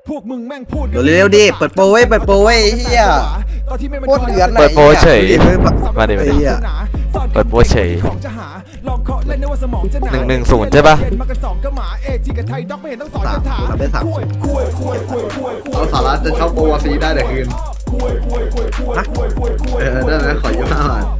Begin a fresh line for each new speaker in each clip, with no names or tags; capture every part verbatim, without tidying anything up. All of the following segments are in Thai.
พวกมึงแม่งพูด
เร็วๆดิเปิดโปรไว้เปิดโปรไว้เฮียโคตรเดือดเลย
เปิดโปรเฉยมาดิมาดิ เปิดโปรเฉยหนึ่งหนึ่งศูนย์ใช่ปะ
สามทำได้สาม
เอาสาระจะเข้าโปรวาซีได้แต่คืนเออได้ไหมขอยี่ห้าบาท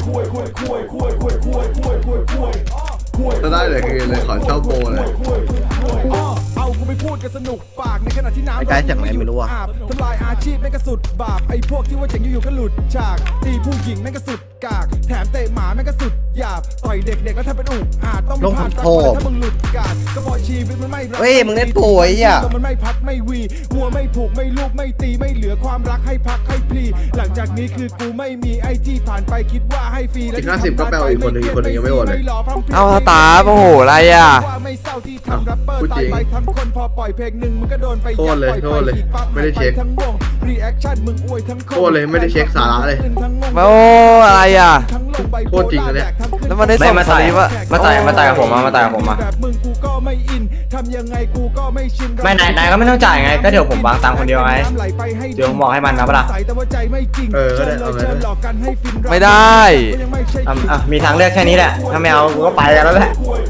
ถ้าได้แต่คืนเลยขอเช่าโปรเลย
เอากูไปพูดกันสนุกปากในขณะที่น้ำ
ไอ้ไกด์จากไหนไม่รู้อ่ะ
ทำลายอาชีพแม่งก็สุดบาปไอ้พวกที่ว่าเจ๋งอยู่ๆก็หลุดฉากตีผู้หญิงแม่งก็สุดกากแถมเตะหมาแม่งก็สุดหยาบต่อยเด็กๆแล้วถ้าเป็นอุกอาจต้องผ่านสักวันถ้ามึงหลุดกาดก็พอชีวิตมันไม่รัก
เฮ้ยมึงเล่นโปรไอ้เหี้ย
มันไม่พัดไม่วีวัวไม่ผูกไม่ลูกไม่ตีไม่เหลือความรักให้พักให้พลีหลังจากนี้คือกูไม่มีไอ้ที่ผ่านไปคิดว่าให้ฟรีแล้ว
อีกห้าสิบก็แปลว่าอีกคนหนึ่งอีกคนหนึ่งยังไม่โอนเลย
เอาตาโอ้โหอะไรอ่ะ
ว่าไม่เศร้าที่ทำแรปเปอร์ตายไปทั้งคนพอปล่อยเพลงหนึ่งมึงก็โดนไป
โทษเลยโทษเลยไม่ได้เช็ค
ทั้งวงรีแอคชั่นมึงอวยทั้ง
โทษเลยไม่ได้เช็คสาระเลย
โอ้อะไรอ่ะ
โคตรจริงอันเนี้ย
แล้วมันได้ส่งสลิปอะ
มาต่อยมาต่อยกับผมมามาต่อยกับผมมา
แบบมึงกูก็ไม่อินทำยังไงกูก็ไม่ชิน
ไม่นายนายก็ไม่ต้องจ่ายไงก็เดี๋ยวผมวางตังค์คนเดียวไงเดี๋ยวผมบอกให้มันนะปะล่ะ
เออก็ได้เอาไงก็ได้
ไม่ได้
อ่ะอ่ะมีทางเลือกแค่นี้แหละถ้าไม่เอากูก็ไปกันแล้วแหละ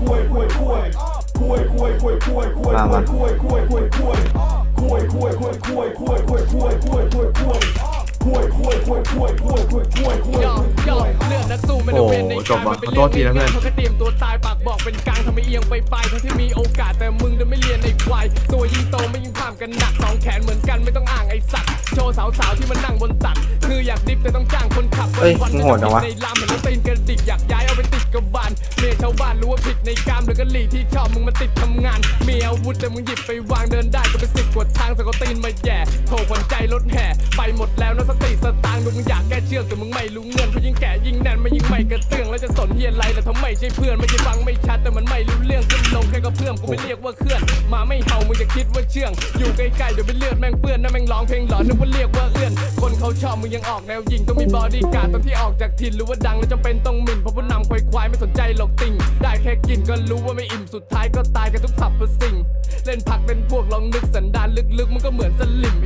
มามา
โอ้จบว่ะขอโทษทีนะเพื่อน
เขาก็เตรียมตัวตายปากบอกเป็นกลางทำไมเอียงไปไปทั้งที่มีโอกาสแต่มึงเดินไม่เรียนในควายตัวยิ่งโตไม่ยิ่งผ่ามกันหนักสองแขนเหมือนกันไม่ต้องอ่างไอสัตว์โชว์สาวๆที่มันนั่งบนตักคืออยากดิฟแต่ต้องจ้างคนขับ
เอ้ยมึงโหดจังวะ
ในลามเห็นแล้วตีนกระดิกอยากย้ายเอาไปติดกับบานเมียชาวบ้านรู้ว่าผิดในกามแล้วก็หลีที่ชอบมึงมาติดทำงานมีอาวุธแต่มึงหยิบไปวางเดินได้ก็ไปสิบกว่าทางสกตีนมาแย่โถขวัญใจรถแห่ไปหมดแล้วนะสติสตางค์ดูมึงอยากแก้เชือกแต่มึงไม่รู้เงินเพราะยิ่งแก่ยิ่งแน่นไม่ยิ่งไม่กระเตื้องแล้วจะสนเฮียอะไรแต่ทำไมใช่เพื่อนไม่ใช่ฟังไม่ชัดแต่มันไม่รู้เรื่องขึ้นลงแค่ก็เพื่อนกูไม่เรียกว่าเคลื่อนมาไม่เห่ามึงจะคิดว่าเชื่องอยู่ใกล้ๆเดี๋ยวไปเลือดแม่งเปื้อนนั่นแม่งร้องเพลงหลอนนึกว่าเรียกว่าเอื้อนคนเขาชอบมึงยังออกแนวยิงต้องมีบอดี้การ์ดตอนที่ออกจากถิ่นรู้ว่าดังแล้วจำเป็นต้องหมิ่นเพราะผู้นำควายควายไม่สนใจหรอกติ่งได้แค่กินก็รู้ว่าไม่อิ่มสุดท้ายก็ตายกันทุกสับประสิ่งเล่นผักเป็นพวกลองนึกสันดานลึกๆมันก็เหมือนสลิม